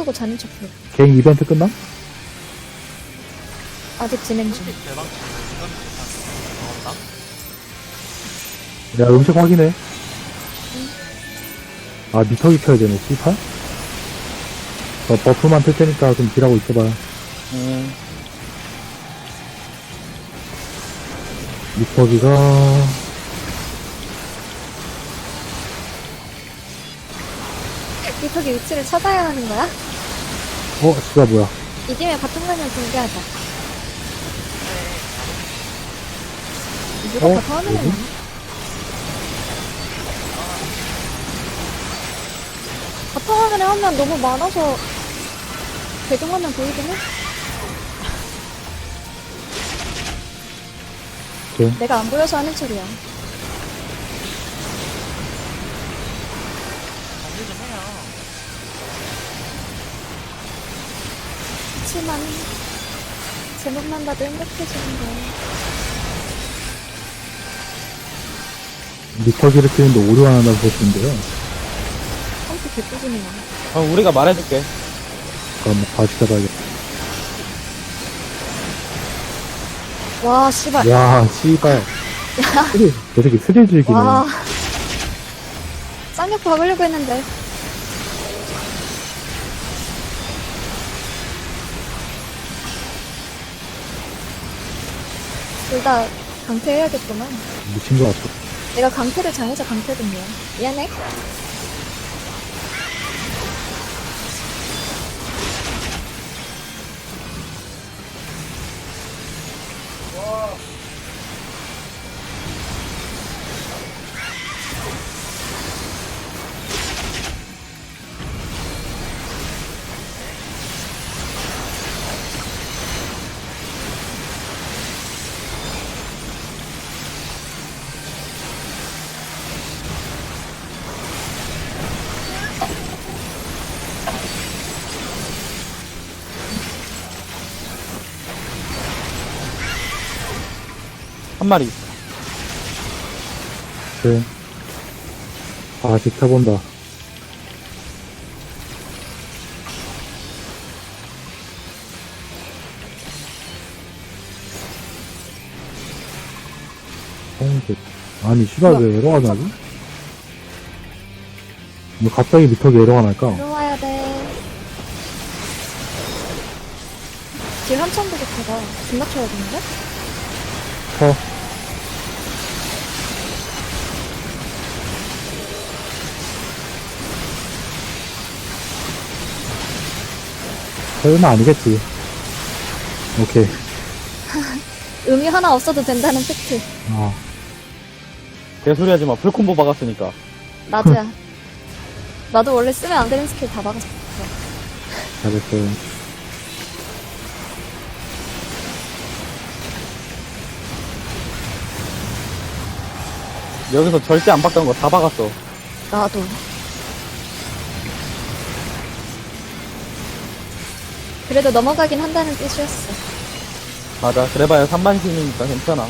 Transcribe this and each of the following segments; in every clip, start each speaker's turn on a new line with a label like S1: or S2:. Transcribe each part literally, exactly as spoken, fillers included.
S1: 끄고 자는 척 해.
S2: 개인 이벤트 끝나?
S1: 아직 진행 중.
S3: 대박 이건 괜찮아.
S2: 야, 음식 확인해. 아, 미터기 켜야 되네, 씨팔? 저 버프만 틀 테니까 좀 딜하고 있어봐.
S4: 음,
S2: 미터기가,
S1: 미터기 위치를 찾아야 하는 거야?
S2: 어, 씨가 뭐야.
S1: 이기면 바통관을 공개하자. 누가
S2: 어?
S1: 바통 화면에
S2: 뭐지?
S1: 나와? 바통 화면에 하면 너무 많아서 배경화면 보이긴 해?
S2: 오케이.
S1: 내가 안 보여서 하는 소리야.
S3: 정리 좀 해요.
S1: 그치만 제목만 봐도 행복해지는데.
S2: 미터기를 키우는데 오류 하나 보시는데요.
S1: 컴퓨터 개꾸준히 나와.
S4: 어, 우리가 말해줄게.
S2: 그럼 다시 잡아야겠다.
S1: 와, 씨발.
S2: 야, 씨발. 스릴, 저 새끼 스릴 즐기네.
S1: 와. 쌍욕 박으려고 했는데. 둘 다 강퇴해야겠구만.
S2: 미친 것 같아.
S1: 내가 강퇴를 잘해서 강퇴됐네요. 미안해.
S4: 한 마리.
S2: 그래. 아, 지켜본다. 홍색. 아니, 씨발, 왜 에러가 나지? 왜 갑자기 미터기 에러가 날까?
S1: 들어와야 돼. 길 한참 부족하다. 길 맞춰야겠는데?
S2: 터. 설마 아니겠지. 오케이.
S1: 의미 하나 없어도 된다는 팩트.
S2: 아,
S4: 개소리 하지 마. 풀콤보 박았으니까.
S1: 나도야. 나도 원래 쓰면 안 되는 스킬 다 박았어.
S2: 잘했어요.
S4: 여기서 절대 안 박던 거 다 박았어.
S1: 나도. 그래도 넘어가긴 한다는 뜻이었어.
S4: 맞아. 그래봐야 삼만 신이니까 괜찮아.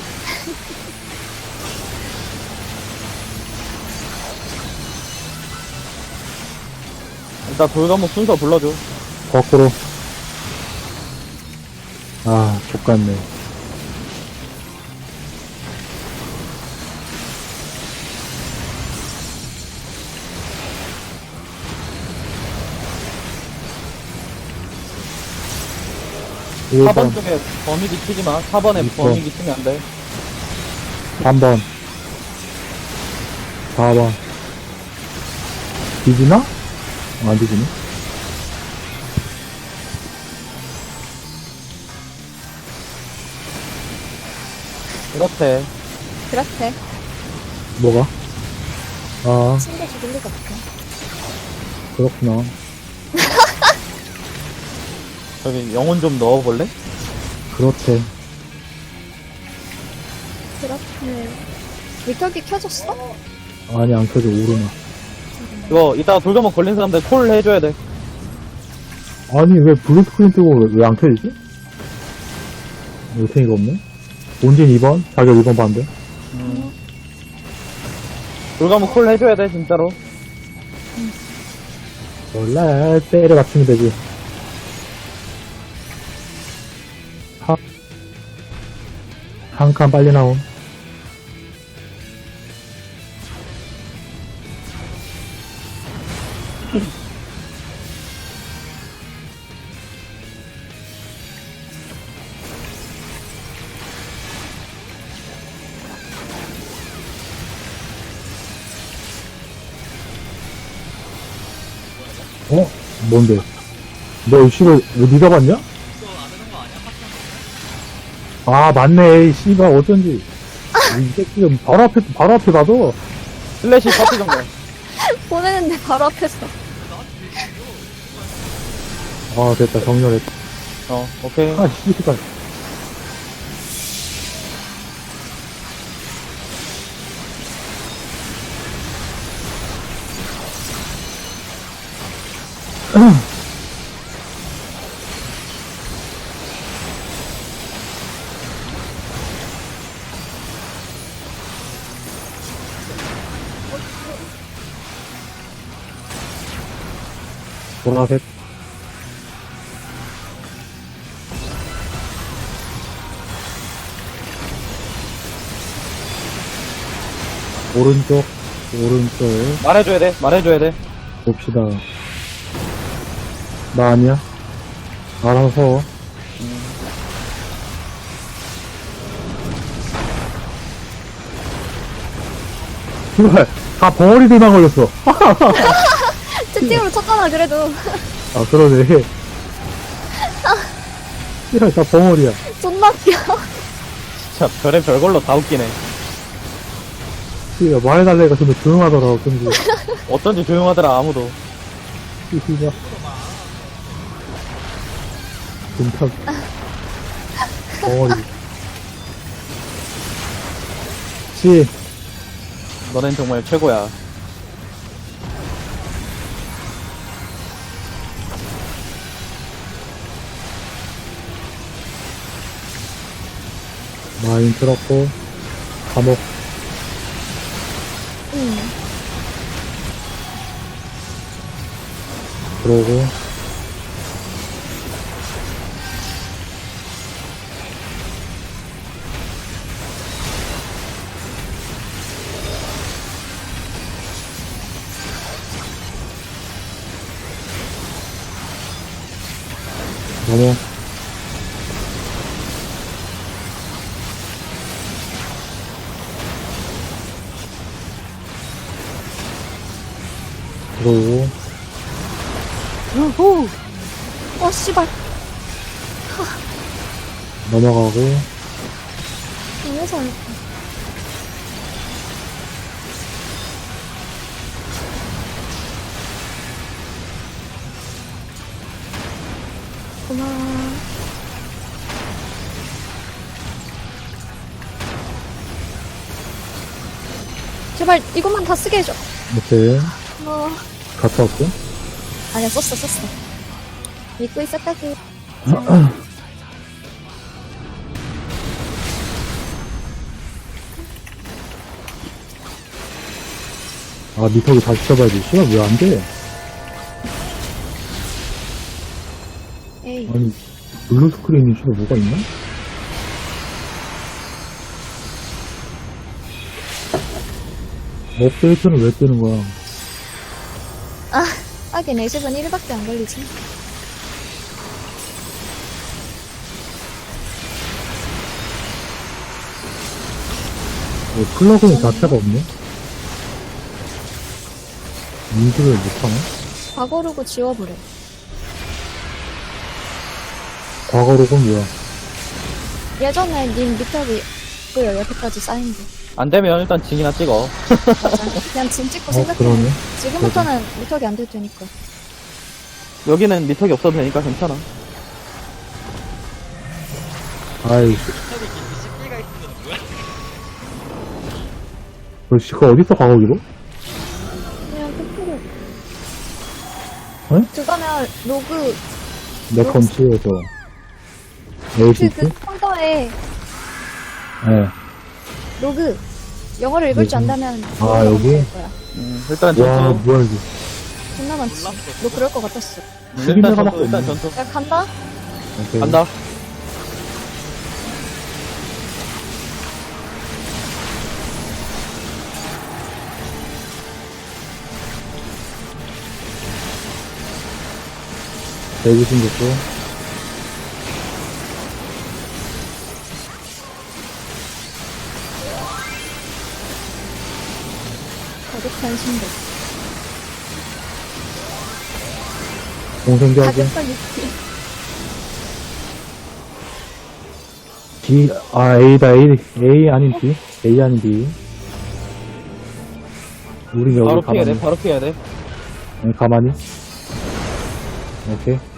S4: 일단 돌과목 순서 불러줘.
S2: 거꾸로. 아, 족같네.
S4: 사 번
S2: 일 번,
S4: 쪽에 범위기 치지 마. 사 번에
S2: 이 번.
S4: 범위기 치면 안 돼.
S2: 삼 번, 사 번. 뒤지나? 어, 안 뒤지네.
S4: 그렇대.
S1: 그렇대.
S2: 뭐가? 아,
S1: 친구 죽일 리가 없어.
S2: 그렇구나.
S4: 저기 영혼 좀 넣어볼래?
S2: 그렇대.
S1: 그렇대. 미터기 켜졌어?
S2: 아니, 안 켜져, 오르나.
S4: 이거 이따가 돌과목 걸린 사람들 콜 해줘야 돼.
S2: 아니, 왜 블루 스크린 뜨고 왜 안 켜지지? 요탱이가 없네? 본진 이 번, 자격 이 번 반대.
S4: 음. 돌과목 콜 해줘야 돼 진짜로.
S2: 몰라, 때려 맞추면 되지. 한, 한 칸 빨리 나옴. 어? 뭔데? 너 이씨를 왜 니가 봤냐?
S3: 이거 안 되는 거 아니야? 파티
S2: 아, 맞네. 이 씨가 어쩐지. 이 새끼가 바로 앞에, 바로 앞에 봐도.
S4: 슬래시 파티 정도.
S1: 보내는데 바로 앞에서.
S2: 아, 됐다. 정렬했다.
S4: 어, 오케이.
S2: 아, 씨가. 보라색. 오른쪽, 오른쪽.
S4: 말해줘야 돼, 말해줘야 돼.
S2: 봅시다. 나 아니야? 알아서. 정말 다 벙어리들만 걸렸어.
S1: 채팅으로 쳤잖아, 그래도.
S2: 아, 그러네. 이럴 다 벙어리야.
S1: 존나 웃겨.
S4: 진짜 별의 별걸로 다 웃기네.
S2: 씨가 말해달래니까 좀 조용하더라, 어쩐지.
S4: 어쩐지 조용하더라, 아무도.
S2: 씨가. 진짜. 벙어리. 씨,
S4: 너넨 정말 최고야.
S2: 마인 틀었고, 감옥.
S1: 응.
S2: 들어오고. 넘어. 들어오고.
S1: 오. 어, 씨발.
S2: 넘어가고.
S1: 왜 잘했다. 고마워. 제발 이것만 다 쓰게 해줘.
S2: 오케이.
S1: 어.
S2: 갔다 왔고.
S1: 아니야, 썼어, 썼어. 믿고 있었다고.
S2: 아, 미터기 다시 쳐봐야지. 시간 왜 안 돼?
S1: 에이.
S2: 아니, 블루 스크린이 시간 뭐가 있나? 업데이트는 왜 뜨는 거야?
S1: 아, 하긴 애집은 일밖에 안 걸리지.
S2: 뭐, 플러그인 자체가 없네? 인식을 못하나?
S1: 과거로고 지워버려.
S2: 과거로는 뭐야?
S1: 예전에 님 미터기 그 여태까지 쌓인 거.
S4: 안 되면 일단 징이나 찍어.
S1: 맞아. 그냥 짐 찍고
S2: 어,
S1: 생각해.
S2: 그러네.
S1: 지금부터는 미터기 안 될 테니까.
S4: 여기는 미터기 없어도 되니까 괜찮아.
S2: 아이,
S3: 저기 십기가 있는 건 뭐야?
S2: 그 씨가 어딨어, 과거기로?
S1: 그냥 끝으로.
S2: 어?
S1: 그거면 로그,
S2: 내 컴치에서.
S1: 그,
S2: 에이티티?
S1: 그 폴더에
S2: 예.
S1: 로그, 영어를 읽을 줄 안다면
S2: 아, 여기?
S1: 될 거야.
S4: 음, 일단
S2: 와,
S4: 점수
S2: 뭐야, 이게.
S1: 존나 많지.
S3: 몰랐어.
S1: 너 그럴 것 같았어.
S2: 죽인
S4: 일단
S2: 데가
S4: 전투,
S2: 밖에
S4: 일단
S2: 없네.
S4: 전투.
S1: 야, 간다?
S2: 오케이.
S4: 간다.
S2: 대기 생겼고.
S1: 가격한 신고.
S2: 공생기하기.
S1: 가격한 유티.
S2: B, 아, A다, A, A 아닌 B. A 아닌 B. 우린 여기
S4: 바로 피해야
S2: 가만히.
S4: 돼, 바로 피해야 돼.
S2: 응, 가만히. 오케이.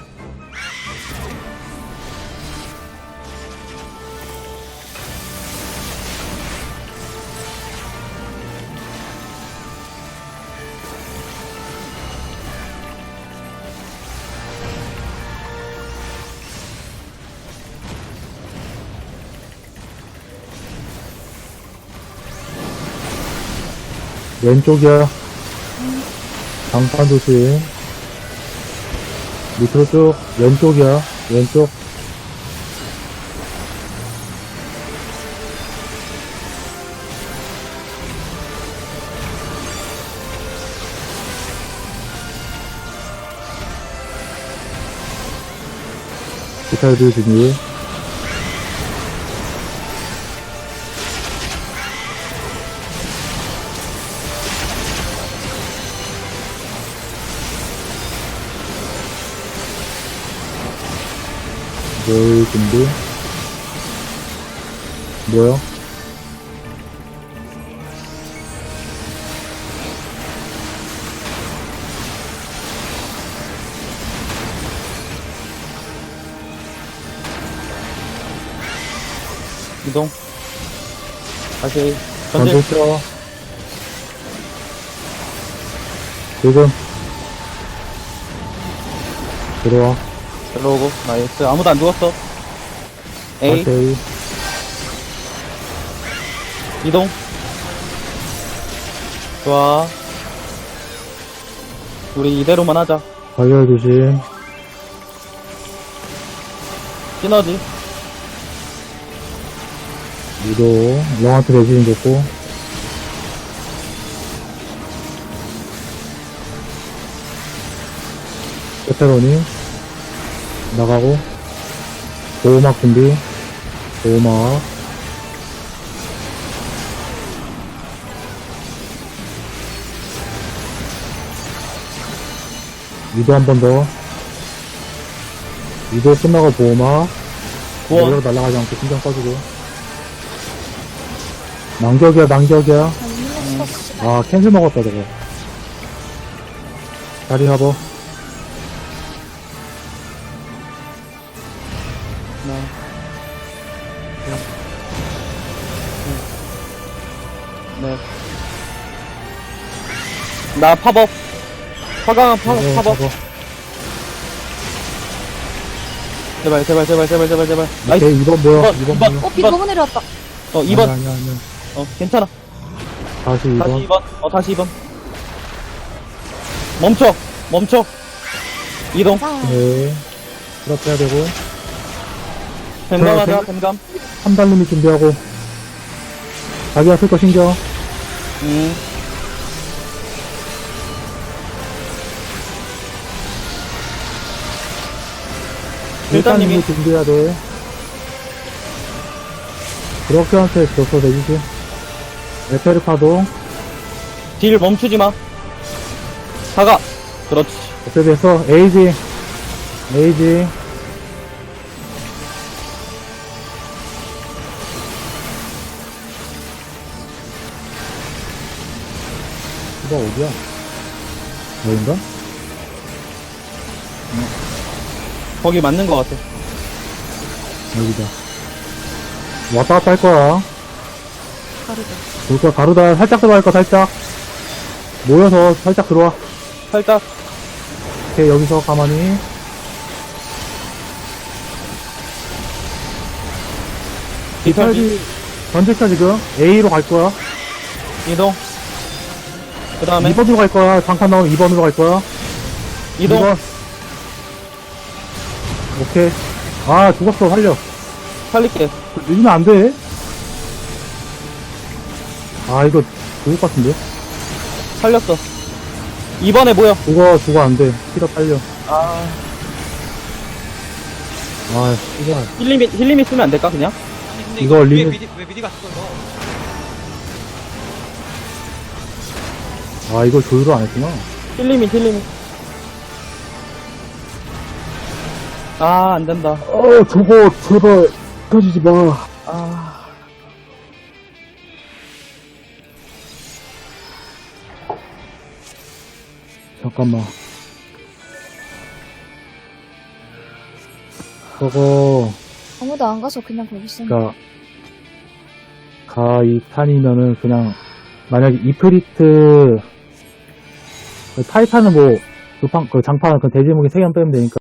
S2: 왼쪽이야. 장판 조심. 밑으로 쭉. 왼쪽이야. 왼쪽. 기타들 준비. 뭘 준비? 뭐야?
S4: 이동. 다시 전진.
S2: 전진 쳐. 지금. 들어와.
S4: 들어오고. 나이스. 아무도 안 죽었어. A.
S2: 오케이.
S4: 이동. 좋아. 우리 이대로만 하자.
S2: 가열 조심.
S4: 시너지.
S2: 유도. 영한테 대신 좋고. 페페로니. 나가고. 보호막 준비. 보호막. 유도 한 번 더. 유도 끝나고 보호막.
S4: 구원.
S2: 내려로 날아가지 않고 신경 써주고. 난격이야, 난격이야.
S1: 아니, 이거 씨.
S2: 아, 캔슬 먹었다, 저거. 다리 합어.
S4: 하나. 둘. 넷. 나 팝업. 화강한 팝업,
S2: 네,
S4: 팝업.
S2: 저거.
S4: 제발, 제발, 제발, 제발, 제발, 제발. 나이스.
S2: 오케이, 이번 뭐야?
S4: 이번,
S2: 이번
S4: 이번.
S2: 뭐야?
S1: 어, 비 너무 내려왔다.
S4: 어, 이 번.
S2: 아니야, 아니야, 아니야.
S4: 어, 괜찮아.
S2: 다시
S4: 다시
S2: 이번.
S4: 이 번. 어, 다시 이 번. 멈춰. 멈춰. 이동.
S1: 자,
S2: 네. 풀업 해야 되고.
S4: 뱀감 하자,
S2: 자,
S4: 뱀감.
S2: 삼달님이 준비하고. 자기가 쓸 거 신경.
S4: 음. 일단님이.
S2: 일단님이 준비해야 돼. 그렇게 한테 줬어, 대기지. 에페르 파동.
S4: 딜 멈추지 마. 사가. 그렇지.
S2: 어떻게 됐어? 에이지. 에이지. 이거 어디야? 여긴가?
S4: 거기 맞는 것 같아.
S2: 여기다. 왔다 갔다 할 거야.
S1: 가르다.
S2: 볼 거야, 가루다. 살짝 들어갈 거, 살짝. 모여서 살짝 들어와.
S4: 살짝.
S2: 오케이, 여기서 가만히.
S4: 디탈지.
S2: 전체차 지금 A로 갈 거야.
S4: 이동. 그 다음에.
S2: 이 번으로 갈 거야. 장판 나오면 이 번으로 갈 거야.
S4: 이동.
S2: 이번. 오케이. 아, 죽었어, 살려.
S4: 살릴게.
S2: 늦으면 안 돼. 아, 이거 죽을 것 같은데?
S4: 살렸어. 이번에 뭐야?
S2: 죽어, 죽어, 안 돼. 피가 빨려.
S4: 아,
S2: 아, 이거.
S4: 힐리미, 힐리미 쓰면 안 될까, 그냥?
S3: 아니 근데
S2: 이거
S3: 이거 왜
S2: 리는-
S3: 미디 왜 미디가 죽어 이거?
S2: 아, 이걸 조율을 안 했구나.
S4: 힐리미, 힐리미. 아, 안 된다.
S2: 어, 저거, 제발, 터지지 마.
S4: 아,
S2: 잠깐만. 저거,
S1: 아무도 안 가서 그냥 거기 있어.
S2: 그니까, 가이 탄이면은 그냥, 만약에 이프리트, 타이탄은 뭐, 그 판, 그 장판, 그 대지무기 세 개만 빼면 되니까.